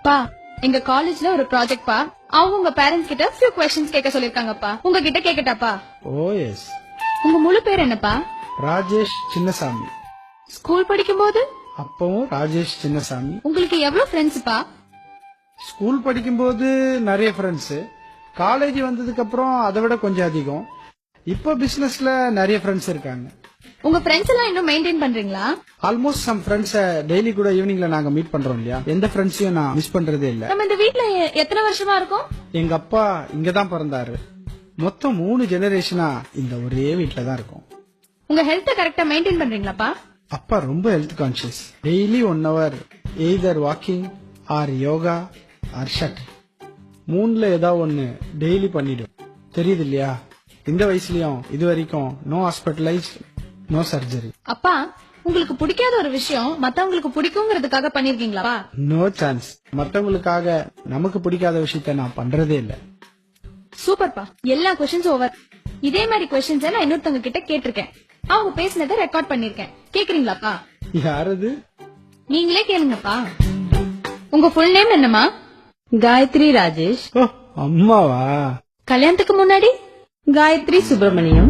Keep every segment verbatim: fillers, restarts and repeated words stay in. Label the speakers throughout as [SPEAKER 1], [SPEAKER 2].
[SPEAKER 1] பா எங்க காலேஜ்ல ஒரு ப்ராஜெக்ட் பா அவங்க உங்க பேரண்ட்ஸ் கிட்ட ஃபியூ क्वेश्चंस கேட்க சொல்லிருக்காங்கப்பா. உங்ககிட்ட கேக்கட்டாப்பா?
[SPEAKER 2] ஓ எஸ்.
[SPEAKER 1] உங்க முழு பேர் என்னப்பா?
[SPEAKER 2] ராஜேஷ் சின்னசாமி.
[SPEAKER 1] ஸ்கூல் படிக்கும்போது
[SPEAKER 2] அப்பவும் ராஜேஷ் சின்னசாமி.
[SPEAKER 1] உங்களுக்கு எவ்வளவு ஃப்ரெண்ட்ஸ்ப்பா?
[SPEAKER 2] ஸ்கூல் படிக்கும்போது நிறைய ஃப்ரெண்ட்ஸ். காலேஜ் வந்ததுக்கு அப்புறம் அதை விட கொஞ்சம் அதிகம். இப்ப பிசினஸ்ல நிறைய ஃப்ரெண்ட்ஸ் இருக்காங்க.
[SPEAKER 1] உங்க ஃப்ரெண்ட்ஸ் எல்லாம் இன்னும் மெயின்டைன் பண்றீங்களா?
[SPEAKER 2] ஆல்மோஸ்ட் சம் ஃப்ரெண்ட்ஸ் டெய்லி கூட ஈவினிங்ல நாங்க மீட் பண்றோம் இல்லையா, எந்த ஃப்ரெண்ட்ஸையும் நான் மிஸ் பண்றதே இல்ல.
[SPEAKER 1] நம்ம இந்த வீட்ல எ- எத்தனை வருஷமா இருக்கோம்?
[SPEAKER 2] எங்க அப்பா இங்கதான் பிறந்தாரு. மொத்தம் மூணு ஜெனரேஷனா இந்த ஒரே வீட்ல தான் இருக்கோம்.
[SPEAKER 1] உங்க ஹெல்த் கரெக்டா மெயின்டைன் பண்றீங்களாப்பா?
[SPEAKER 2] அப்பா ரொம்ப health conscious. Daily one hour either walking or yoga or shut, மூணுல ஏதாவது ஒன்னு டெய்லி பண்ணிடும். தெரியுது இல்லையா, இந்த வயசுலயும் இது வரைக்கும் நோ ஹாஸ்பிட்டலைஸ், நோ சர்ஜரி.
[SPEAKER 1] அப்பா உங்களுக்கு பிடிக்காத ஒரு விஷயம் மத்தவங்களுக்கு பிடிக்குங்கிறதுக்காக பண்ணிருக்கீங்களா?
[SPEAKER 2] No chance. மத்தவங்களுக்காக நமக்கு பிடிக்காத விஷயத்த நான் பண்றதே இல்ல.
[SPEAKER 1] சூப்பர்ப்பா, எல்லா क्वेश्चंस ஓவர். இதே மாதிரி क्वेश्चंस நான் இன்னொருத்தவங்க கிட்ட கேட்டிருக்கேன். அவங்க பேசினதை ரெக்கார்ட் பண்ணிருக்கேன். கேக்குறீங்களாப்பா?
[SPEAKER 2] யாரது?
[SPEAKER 1] நீங்களே கேளுங்கப்பா. உங்க ஃபுல் நேம் என்னமா?
[SPEAKER 3] காயத்ரி ராஜேஷ்.
[SPEAKER 2] ஓ அம்மாவா?
[SPEAKER 1] கல்யாணத்துக்கு முன்னாடி
[SPEAKER 3] காயத்ரி சுப்பிரமணியம்.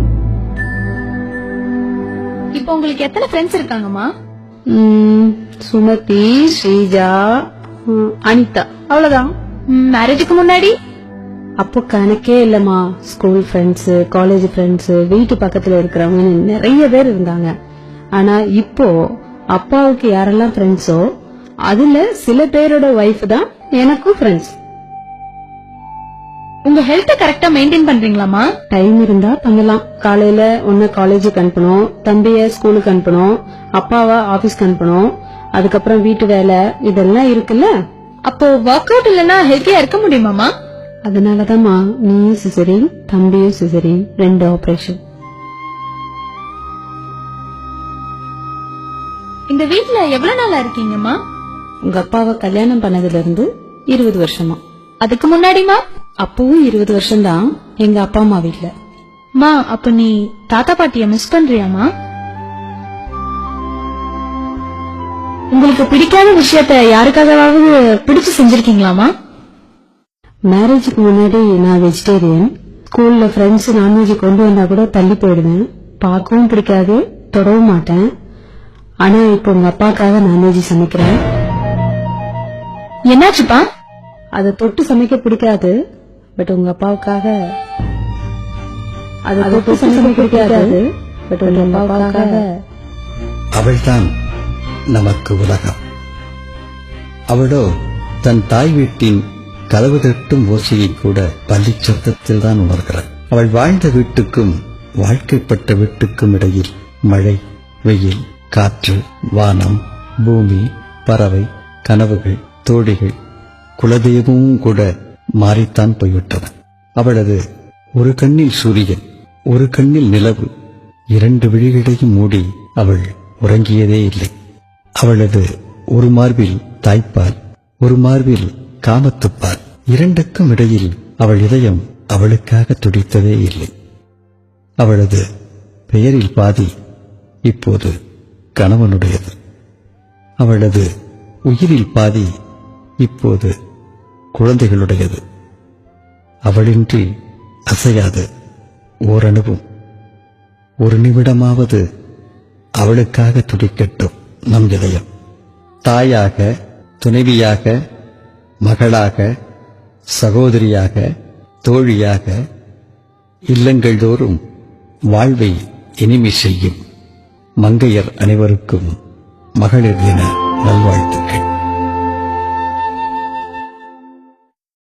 [SPEAKER 1] இப்போ உங்களுக்கு எத்தனை ஃப்ரெண்ட்ஸ் இருக்காங்கம்மா?
[SPEAKER 3] ம், சுமதி, ஸ்ரீஜா, ம், அனிதா, அவ்வளவுதான்.
[SPEAKER 1] மேரேஜுக்கு முன்னாடி?
[SPEAKER 3] அப்போ கணக்கே இல்லம்மா. ஸ்கூல் ஃப்ரெண்ட்ஸ், காலேஜ் ஃப்ரெண்ட்ஸ், வீட்டு பக்கத்துல இருக்கிறவங்க நிறைய பேர் இருந்தாங்க. ஆனா இப்போ அப்பாவுக்கு யாரெல்லாம் ஃப்ரெண்ட்ஸோ அதுல சில பேரோட ஒய்ஃப் தான் எனக்கும் ஃப்ரெண்ட்ஸ்.
[SPEAKER 1] உங்க ஹெல்த் கரெக்டா மெயின்டைன் பண்றீங்களாமா?
[SPEAKER 3] டைம் இருந்தா பண்ணலாம். காலையில ஒன்னு காலேஜுக்கு அனுப்பணும், தம்பிய ஸ்கூலுக்கு அனுப்பணும், அப்பாவை ஆபீஸ்க்கு அனுப்பணும், அதுக்கப்புறம் வீட்டு வேலை இதெல்லாம் இருக்குல்ல.
[SPEAKER 1] அப்போ ஒர்க் அவுட் இல்லனா ஹெல்த்தியா இருக்க முடியுமாமா?
[SPEAKER 3] அதனாலதான்மா நீயும் சிசரின், தம்பியும் சிசரின், ரெண்டு ஆபரேஷன்.
[SPEAKER 1] இந்த வீட்ல எவ்வளவு நாளா இருக்கீங்கம்மா?
[SPEAKER 3] உங்க அப்பாவை கல்யாணம் பண்ணதுல இருந்து இருபது வருஷமா.
[SPEAKER 1] அதுக்கு முன்னாடிமா?
[SPEAKER 3] அப்பவும் இருபது வருஷம் தான் எங்க அப்பா அம்மா வீட்ல.
[SPEAKER 1] மா அப்ப நீ தாத்தா பாட்டிய மிஸ் பண்றியாமா? உங்களுக்கு பிடிக்காத விஷயத்த யாருக்காகவாவது பிடிச்சு செஞ்சிருக்கீங்களாமா?
[SPEAKER 3] மேரேஜுக்கு முன்னாடி நான் வெஜிடேரியன். ஸ்கூல்ல ஃப்ரெண்ட்ஸ் நான்வெஜ் கொண்டு வந்தா கூட தள்ளி போயிடுவேன். பார்க்கவும் பிடிக்காது, தொடவும் மாட்டேன். ஆனா இப்போ உங்க அப்பாக்காக நான்வெஜ் சமைக்கிறேன்.
[SPEAKER 1] என்னாச்சுப்பா?
[SPEAKER 3] அதை தொட்டு சமைக்க பிடிக்காது, பட் உங்க அப்பாவுக்காக அதை தொட்டு சமைக்க பிடிக்காது, பட் உங்க அப்பாவுக்காக.
[SPEAKER 4] அவள்தான் நமக்கு உலகம். அவளோ தன் தாய் வீட்டின் கதவு தட்டும் ஓசையை கூட பள்ளி சத்தத்தில் தான் உணர்கிறாள். அவள் வாழ்ந்த வீட்டுக்கும் வாழ்க்கைப்பட்ட வீட்டுக்கும் இடையில் மழை, வெயில், காற்று, வானம், பூமி, பறவை, கனவுகள், தோழிகள், குலதெய்வமும் கூட மாறித்தான் போய்விட்டன. அவளது ஒரு கண்ணில் சூரியன், ஒரு கண்ணில் நிலவு, இரண்டு விழிகளையும் மூடி அவள் உறங்கியதே இல்லை. அவளது ஒரு மார்பில் தாய்ப்பால், ஒரு மார்பில் காமத்துப்பால், இரண்டுக்கும் இடையில் அவள் இதயம் அவளுக்காக துடித்ததே இல்லை. அவளது பெயரில் பாதி இப்போது கணவனுடையது. அவளது உயிரில் பாதி இப்போது குழந்தைகளுடையது. அவளின்றி அசையாது ஓரணுவும். ஒரு நிமிடமாவது அவளுக்காக துடிக்கட்டும் நம் இதயம். தாயாக, துணைவியாக, மகளாக, சகோதரியாக, தோழியாக இல்லங்கள் தோறும் வாழ்வை இனிமை செய்யும் மங்கையர் அனைவருக்கும் மகளிர் தின நல்வாழ்த்துக்கள்.